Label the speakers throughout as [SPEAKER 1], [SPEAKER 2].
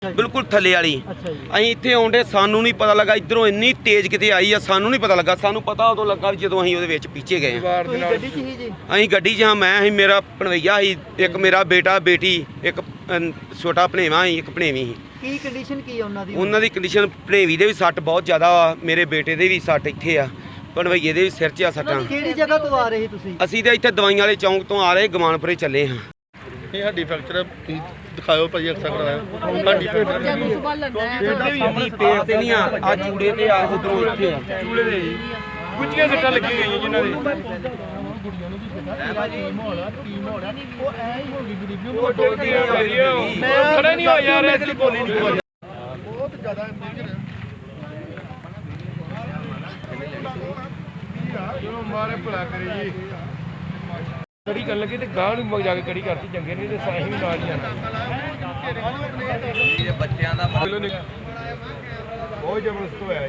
[SPEAKER 1] बिल्कुल थले वाली अं इतने आउंडे सानू नहीं पता लगा इधरों इन्नी तेज किते आई है सानू नहीं पता लगा सानू पता उदों लगा जो अं पीछे गए अं गड्डी च हाँ मैं मेरा भणवैया ही एक मेरा बेटा बेटी एक छोटा भणेवा ही एक भणेवी ही उन्होंने कंडीशन भणेवी दे भी सट बहुत ज़्यादा मेरे बेटे दे भी सट इत्थे आ भणवैये दे भी सिर च सट्टां असीं ते इत्थे दवाइयां वाले चौंक तो आ रहे गमानपुरे चले हाँ
[SPEAKER 2] ਇਹ ਹੱਡੀ ਫ੍ਰੈਕਚਰ ਦਿਖਾਓ ਭਾਈ ਅਕਸਰ ਕਰਾਇਆ ਹੱਡੀ
[SPEAKER 1] ਪੇਟ ਤੇ ਨਹੀਂ ਆ ਚੂੜੇ ਤੇ ਆ ਉਧਰੋਂ ਇੱਥੇ ਆ ਚੂੜੇ ਦੇ ਜੀ ਗੁੱਝੀਆਂ ਸੱਟਾਂ ਲੱਗੀ ਗਈਆਂ ਜਿਨ੍ਹਾਂ ਦੇ ਉਹ ਐ ਹੀ ਹੋ ਗਈ ਗਰੀਬੀ ਉਹ ਡੋਲਦੀ ਮੈਂ ਖੜਾ ਨਹੀਂ ਹੋਇਆ ਯਾਰ ਐਸੀ ਬੋਲੀ ਨਹੀਂ ਬਹੁਤ ਜ਼ਿਆਦਾ ਜੋ ਮਾਰੇ ਭਲਾ ਕਰੇ ਜੀ कड़ी कर लगे तो गांव में जाके कड़ी करती चंगे नहीं तो साही भी नाल ही आना बच्चों का बहुत जबरदस्त होया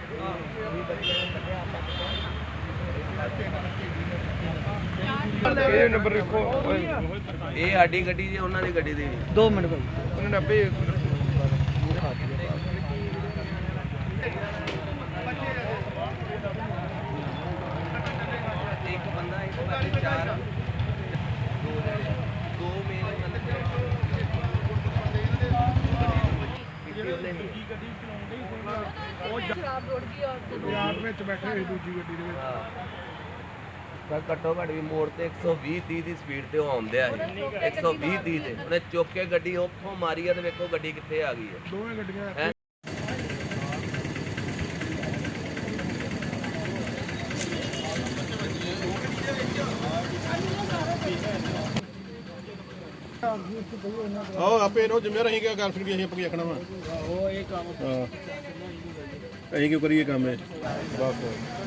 [SPEAKER 1] जी नंबर लिखो ये साडी गड्डी जी उन्हां दी गड्डी दी 2 मिनट भाई उन्होंने आपे एक बंदा एक बारी चार घट्टो घट भी मोड़ से 120-30 की स्पीड से आउंदे 120-30 से उन्हें चुक के गड्डी उतों मारी है तो वेखो गड्डी कित्थे आ गई है दोवें गड्डियां आपे नो जिम्मेदार अहीं क्या कर सकते अहीं आपकी आखना वा ओ ये काम हां अहीं क्यों करिए काम है बस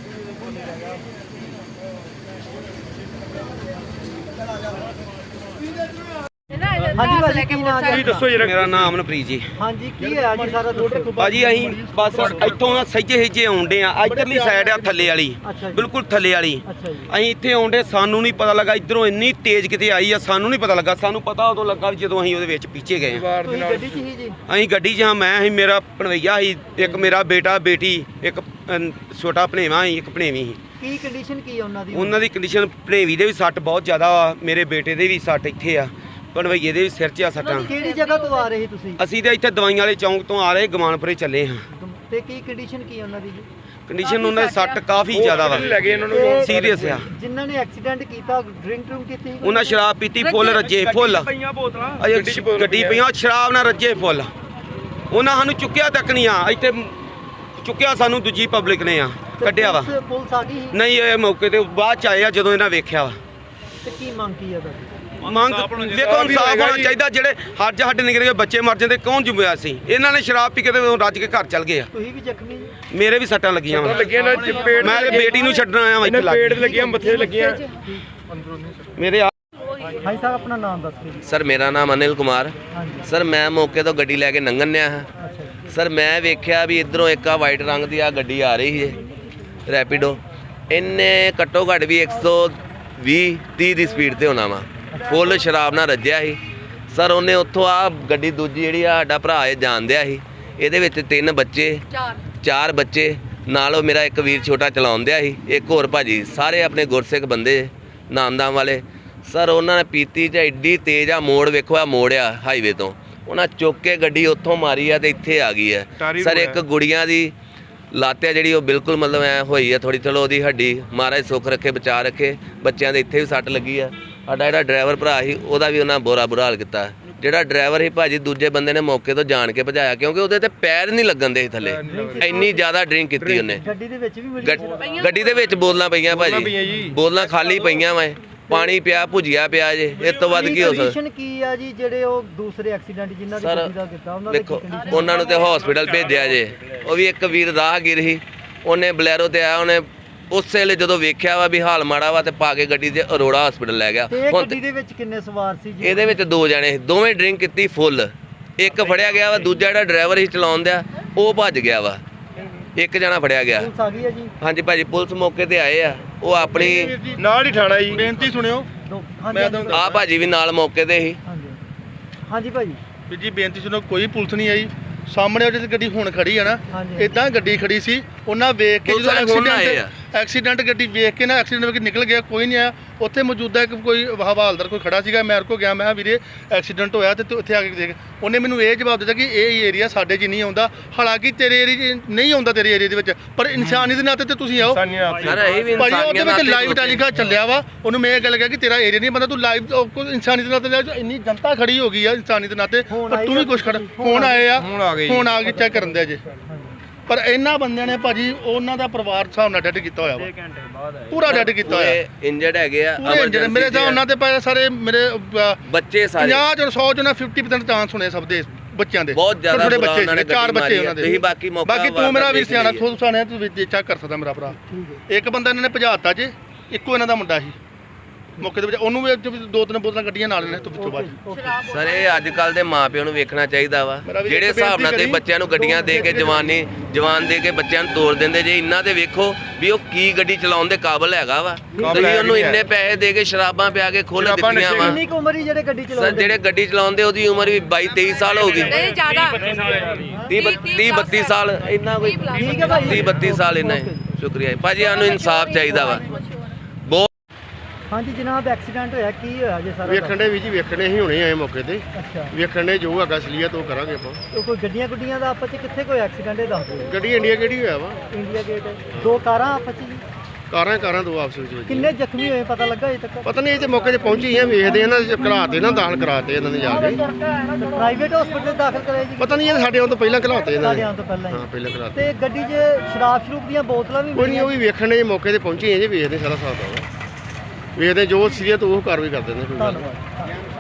[SPEAKER 1] मेरा नाम मनप्रीत जी भाजी अं बस इतों सजे हिजे आउंडे इधरली साइड आ थले वाली बिल्कुल थले वाली अं इतने आउंडे सानू नहीं पता लगा इधरों इन्नी तेज किते आई है सानू नहीं पता लगा सानू पता उदों लगा जो अं पीछे गए अं गड्डी च हाँ मैं मेरा भणवैया ही एक मेरा बेटा बेटी एक छोटा भणेवा ही एक भणेवी ही उन्होंने कंडीशन भणेवी दे भी सट बहुत ज़्यादा मेरे बेटे दे भी सट इत्थे आ भणवैये दे भी सिर च सट्टां असीं ते इत्थे दवाइयां वाले चौंक तो आ रहे गमानपुरे चले हाँ कंडीशन उन्होंने सट काफ़ी ज़्यादा वा सीरीयस आ उन्हें शराब पीती फुल रजे फुल गड्डी पईयां शराब ना रजे फुल उन्हें सानू चुक्या तक नहीं आ इत्थे चुक्या सानू दूजी पब्लिक ने आ कढ़िया वा नहीं ये मौके ते बाद च आए जदों इन्हां वेख्या वा मंग देखो इंसाफ होना चाहिए जेडे हज हड निकल गए बच्चे मर जाते कौन जुम्मेवार सी इन्होंने शराब पी के रज के घर चल गए मेरे भी सट्टां लगियां मैं बेटी नूं छड्डण आया मेरे
[SPEAKER 3] भाई साहब अपना नाम दस
[SPEAKER 4] सर मेरा नाम अनिल कुमार सर मैं मौके तो गड्डी लैके लंघन हाँ सर मैं वेख्या भी इधरों एक वाइट रंग की गड्डी आ रही है रैपिडो इन्हें घट्टो घट भी 120-30 की स्पीड से होना वा फुल शराब ना रज्या ही सर उन्हें उत्थों आ गड्डी दूजी जी साडा भरा जान दिया ही ये 3 बच्चे 4 बच्चे नाल मेरा एक वीर छोटा चलाउण दिया ही एक होर भाजी सारे अपने गुरसिख बंदे नामदाम वाले सर उन्होंने पीती च एड्डी तेज आ मोड़ वेखो आ मोड़ आ हाईवे तो उन्हें चुक के गड्डी उत्थों मारी है तो इत्थे आ गई है सर एक गुड़िया की लात है जी बिल्कुल मतलब ऐ हुई है थोड़ी चलो वो हड्डी महाराज सुख रखे बचा रखे बच्चों के इत्थे भी सट लगी है साडा जिहड़ा ड्राइवर भरा ही उहदा भी उन्हें बुरा हाल किया जिहड़ा ड्राइवर ही भाजी दूजे बंदे ने मौके तो जान के भजाया क्योंकि उहदे ते पैर नहीं लगन दे थले इन्नी ज़्यादा ड्रिंक की उन्हें गड्डी दे विच बोतलां पईयां भाजी बोतलां खाली पईयां वा पानी पिया भुजिया पिया जे इस तो वध की हो सकदा देखो उन्होंने तो हॉस्पिटल भेजा जे वो भी एक वीर राहगीर ही उन्हें बलैरो ते आया उन्हें उस वेले जो वेख्या वा भी हाल माड़ा वा तो पा के गड्डी ते अरोड़ा हॉस्पिटल लै गया ये 2 जने दोवें ड्रिंक की फुल एक फड़िया गया वा दूजा जिहड़ा ड्राइवर ही चलाउण दिया वो भज गया वा एक जना फड़िया गया हाँ जी भाजी पुलिस मौके ते आए आ वो अपनी
[SPEAKER 2] नाल ही ठाणा जी बेनती सुनियो
[SPEAKER 4] आ भाजी भी नाल मौके ते ही
[SPEAKER 3] हाँ जी भाजी
[SPEAKER 2] ਵੀ ਜੀ ਬੇਨਤੀ ਸੁਣੋ, ਕੋਈ ਪੁਲਿਸ ਨਹੀਂ ਆਈ। ਸਾਹਮਣੇ ਉਹ ਜਿਹੜੀ ਗੱਡੀ ਹੁਣ ਖੜੀ ਆ ਨਾ,
[SPEAKER 3] ਹਾਂਜੀ।
[SPEAKER 2] ਇਦਾਂ ਗੱਡੀ ਖੜੀ ਸੀ, ਉਹਨਾਂ ਵੇਖ ਕੇ
[SPEAKER 4] ਪੁਲਿਸ ਵਾਲੇ ਹੁਣ ਆਏ ਆ।
[SPEAKER 2] ਐਕਸੀਡੈਂਟ ਗੱਡੀ ਵੇਖ ਕੇ ਨਾ ਐਕਸੀਡੈਂਟ ਵਿੱਚ ਨਿਕਲ ਗਿਆ, ਕੋਈ ਨਹੀਂ ਆਇਆ। ਉੱਥੇ ਮੌਜੂਦਾ ਇੱਕ ਕੋਈ ਹਵਾਲਦਾਰ ਕੋਈ ਖੜਾ ਸੀਗਾ, ਮੈਂ ਕੋ ਗਿਆ, ਮੈਂ ਕਿਹਾ ਵੀਰੇ ਐਕਸੀਡੈਂਟ ਹੋਇਆ ਤੇ ਤੂੰ ਇੱਥੇ ਆ ਕੇ ਦੇਖ। ਉਹਨੇ ਮੈਨੂੰ ਇਹ ਜਵਾਬ ਦਿੱਤਾ ਕਿ ਇਹ ਏਰੀਆ ਸਾਡੇ 'ਚ ਨਹੀਂ ਆਉਂਦਾ। ਹਾਲਾਂਕਿ ਤੇਰੇ ਏਰੀਆ 'ਚ ਨਹੀਂ ਆਉਂਦਾ, ਤੇਰੇ ਏਰੀਆ ਦੇ ਵਿੱਚ, ਪਰ ਇਨਸਾਨੀ ਦੇ ਨਾਤੇ ਤੇ ਤੁਸੀਂ ਆਓ।
[SPEAKER 4] ਸਰ ਇਹ ਵੀ
[SPEAKER 2] ਭਾਜੀ ਉਹਦੇ
[SPEAKER 4] ਇਨਸਾਨੀਅਤ
[SPEAKER 2] ਵਿੱਚ
[SPEAKER 4] ਨਾਲ
[SPEAKER 2] ਲਾਈਵ ਟੈਲੀਕਾਸਟ ਚੱਲਿਆ ਵਾ, ਉਹਨੂੰ ਮੈਂ ਇਹ ਗੱਲ ਕਿਹਾ ਕਿ ਤੇਰਾ ਏਰੀਆ ਨਹੀਂ ਬੰਦਾ, ਤੂੰ ਲਾਈਵ ਇਨਸਾਨੀ ਦੇ ਨਾਤੇ, ਇੰਨੀ ਜਨਤਾ ਖੜੀ ਹੋ ਗਈ ਆ ਇਨਸਾਨੀ ਦੇ ਨਾਤੇ, ਪਰ ਤੂੰ ਵੀ ਕੁਛ ਖੜਾ। ਹੁਣ ਆਏ ਆ, ਹੁਣ ਆ ਕੇ ਚੈੱਕ ਕਰਨ ਦੇ ਜੇ। ਪਰ ਇਹਨਾਂ ਬੰਦਿਆਂ ਨੇ ਭਾਜੀ ਉਹਨਾਂ ਦਾ ਪਰਿਵਾਰ ਹਿਸਾਬ ਨਾਲ ਡੈਡ ਕੀਤਾ ਹੋਇਆ ਵਾ, ਪੂਰਾ ਡੈਡ ਕੀਤਾ ਹੋਇਆ।
[SPEAKER 4] ਇੰਜਰਡ ਹੈਗੇ ਆ,
[SPEAKER 2] ਪੂਰੇ ਇੰਜਰਡ ਮੇਰੇ ਹਿਸਾਬ ਨਾਲ ਤੇ ਭਾਈ ਸਾਰੇ ਮੇਰੇ
[SPEAKER 4] ਬੱਚੇ ਸਾਰੇ
[SPEAKER 2] 50 ਚੋਂ 100 ਚੋਂ 50% ਚਾਂਸ ਹੋਣੇ ਸਭ ਦੇ ਬੱਚਿਆਂ ਦੇ।
[SPEAKER 4] ਬਹੁਤ ਜ਼ਿਆਦਾ
[SPEAKER 2] ਛੋਟੇ
[SPEAKER 4] ਬੁਰਾ
[SPEAKER 2] ਬੱਚੇ
[SPEAKER 4] ਉਹਨਾਂ ਨੇ
[SPEAKER 2] ਚਾਰ
[SPEAKER 4] ਗੱਡੀ
[SPEAKER 2] ਬੱਚੇ
[SPEAKER 4] ਮਾਰੀ
[SPEAKER 2] ਉਹਨਾਂ ਦੇ।
[SPEAKER 4] ਤੁਸੀਂ ਬਾਕੀ ਮੌਕਾ
[SPEAKER 2] ਬਾਕੀ ਤੂੰ ਮੇਰਾ ਵੀ
[SPEAKER 4] ਦੇਖ
[SPEAKER 2] ਸਿਆਣਾ
[SPEAKER 4] ਲਈਏ।
[SPEAKER 2] ਖੁਦ ਸਾਣਿਆ, ਤੂੰ ਚੈੱਕ ਕਰ ਸਕਦਾ ਮੇਰਾ ਭਰਾ। ਇੱਕ ਬੰਦਾ ਇਹਨਾਂ ਨੇ ਭਜਾਤਾ ਜੇ, ਇੱਕੋ ਇਹਨਾਂ ਦਾ ਮੁੰਡਾ ਸੀ ਮੌਕੇ ਦੇ ਵਿੱਚ, ਉਹਨੂੰ ਵੀ 2-3 ਬੋਤਲਾਂ ਗੱਡੀਆਂ ਨਾਲ ਨੇ ਤੋਂ ਵਿੱਚੋਂ ਬਾਅਦ।
[SPEAKER 4] ਸਰ ਇਹ ਅੱਜ ਕੱਲ ਦੇ ਮਾਪਿਆਂ ਨੂੰ ਵੇਖਣਾ ਚਾਹੀਦਾ ਵਾ,
[SPEAKER 2] ਮੇਰਾ ਵੀ
[SPEAKER 4] ਜਿਹੜੇ
[SPEAKER 2] ਇੱਕ
[SPEAKER 4] ਹਿਸਾਬ ਨਾਲ ਤੇ
[SPEAKER 2] ਬੇਨਤੀ
[SPEAKER 4] ਬੱਚਿਆਂ ਨੂੰ ਗੱਡੀਆਂ ਦੇ ਕੇ ਜਵਾਨ ਦੇ ਕੇ ਬੱਚਿਆਂ ਨੂੰ ਤੋੜ ਦਿੰਦੇ ਜੇ, ਇਹਨਾਂ ਤੇ ਵੇਖੋ ਵੀ ਉਹ ਕੀ ਗੱਡੀ ਚਲਾਉਣ ਦੇ ਕਾਬਲ ਹੈਗਾ ਵਾ। ਤੁਸੀਂ ਉਹਨੂੰ ਇੰਨੇ ਪੈਸੇ ਦੇ ਕੇ ਸ਼ਰਾਬਾਂ ਪਿਆ ਕੇ ਖੋਲ ਦਿੱਤੀਆਂ ਵਾ।
[SPEAKER 3] ਕਿੰਨੀ ਕੁ ਉਮਰ ਹੀ ਜਿਹੜੇ ਗੱਡੀ
[SPEAKER 4] ਸਰ
[SPEAKER 3] ਚਲਾਉਂਦੇ?
[SPEAKER 4] ਜਿਹੜੇ ਗੱਡੀ ਚਲਾਉਂਦੇ ਉਹਦੀ ਉਮਰ ਵੀ 22-23 ਸਾਲ ਹੋ ਗਈ।
[SPEAKER 5] ਨਹੀਂ ਜ਼ਿਆਦਾ
[SPEAKER 4] 30-32 ਸਾਲ ਇੰਨਾ ਕੋਈ
[SPEAKER 3] ਠੀਕ ਹੈ ਭਾਈ।
[SPEAKER 4] 30-32 ਸਾਲ ਇੰਨਾ ਹੀ। ਸ਼ੁਕਰੀਆ ਜੀ। ਭਾਜੀ ਸਾਨੂੰ ਇਨਸਾਫ ਚਾਹੀਦਾ ਵਾ।
[SPEAKER 3] ਹਾਂਜੀ ਜਨਾਬ, ਐਕਸੀਡੈਂਟ ਹੋਇਆ, ਕੀ ਹੋਇਆ ਜੇ ਸਾਰਾ?
[SPEAKER 6] ਵੇਖਣ ਦੇ ਵੀ ਜੀ, ਵੇਖਣੇ ਹੀ ਹੁਣੇ ਆਏ ਮੌਕੇ ਤੇ,
[SPEAKER 3] ਅੱਛਾ,
[SPEAKER 6] ਵੇਖਣ ਦੇ ਜੋ ਹੈਗਾ ਅਸਲੀਅਤ ਉਹ ਕਰਾਂਗੇ ਆਪਾਂ।
[SPEAKER 3] ਉਹ ਕੋਈ ਗੱਡੀਆਂ ਗੁੱਡੀਆਂ ਦਾ ਆਪਸ ਚ ਕਿੱਥੇ ਕੋਈ ਐਕਸੀਡੈਂਟ ਇਹ ਦੱਸ ਦਿਓ।
[SPEAKER 6] ਗੱਡੀ ਇੰਡੀਆ ਕਿਹੜੀ ਹੋਇਆ ਵਾ?
[SPEAKER 3] ਇੰਡੀਆ ਗੇਟ, ਦੋ ਕਾਰਾਂ ਆਪਸ ਚ ਜੀ।
[SPEAKER 6] ਕਾਰਾਂ ਦੋ ਆਪਸ ਵਿੱਚ।
[SPEAKER 3] ਕਿੰਨੇ ਜ਼ਖਮੀ ਹੋਏ ਪਤਾ ਲੱਗਾ ਅਜੇ ਤੱਕ?
[SPEAKER 6] ਪਤਾ ਨਹੀਂ, ਇਹ ਤੇ ਮੌਕੇ ਤੇ ਪਹੁੰਚੇ ਆ, ਵੇਖਦੇ ਇਹਨਾਂ ਦੇ ਘਲਾਤੇ ਨਾ, ਦਾਖਲ ਕਰਾਤੇ ਇਹਨਾਂ ਨੇ ਜਾ ਕੇ।
[SPEAKER 3] ਪ੍ਰਾਈਵੇਟ ਹਸਪੀਟਲ ਦਾਖਲ ਕਰਾਏ ਜੀ?
[SPEAKER 6] ਪਤਾ ਨਹੀਂ ਇਹ ਸਾਡੇ ਆਉਣ ਤੋਂ ਪਹਿਲਾਂ ਘਲਾਤੇ ਇਹਨਾਂ
[SPEAKER 3] ਸਾਡੇ
[SPEAKER 6] ਨੇ।
[SPEAKER 3] ਆਉਣ ਤੋਂ ਪਹਿਲਾਂ
[SPEAKER 6] ਹਾਂ
[SPEAKER 3] ਹੀ।
[SPEAKER 6] ਪਹਿਲਾਂ ਘਲਾਤੇ।
[SPEAKER 3] ਤੇ ਗੱਡੀ 'ਚ ਸ਼ਰਾਬ ਸ਼ਰੂਬ ਦੀਆਂ ਬੋਤਲਾਂ ਵੀ
[SPEAKER 6] ਕੋਈ ਨਹੀਂ, ਉਹ ਵੀ ਵੇਖਣ ਦੇ ਮੌਕੇ ਤੇ ਪਹੁੰਚੇ ਆ ਜੀ, ਵੇਖਦੇ ਸਾਰਾ ਹਿਸਾਬ ਦਾ। ਵੇਖਦੇ ਜੋ ਅਸਲੀਅਤ ਉਹ ਕਾਰਵਾਈ ਕਰ ਦਿੰਦੇ ਕੋਈ ਗੱਲ ਨਹੀਂ।
[SPEAKER 3] ਧੰਨਵਾਦ।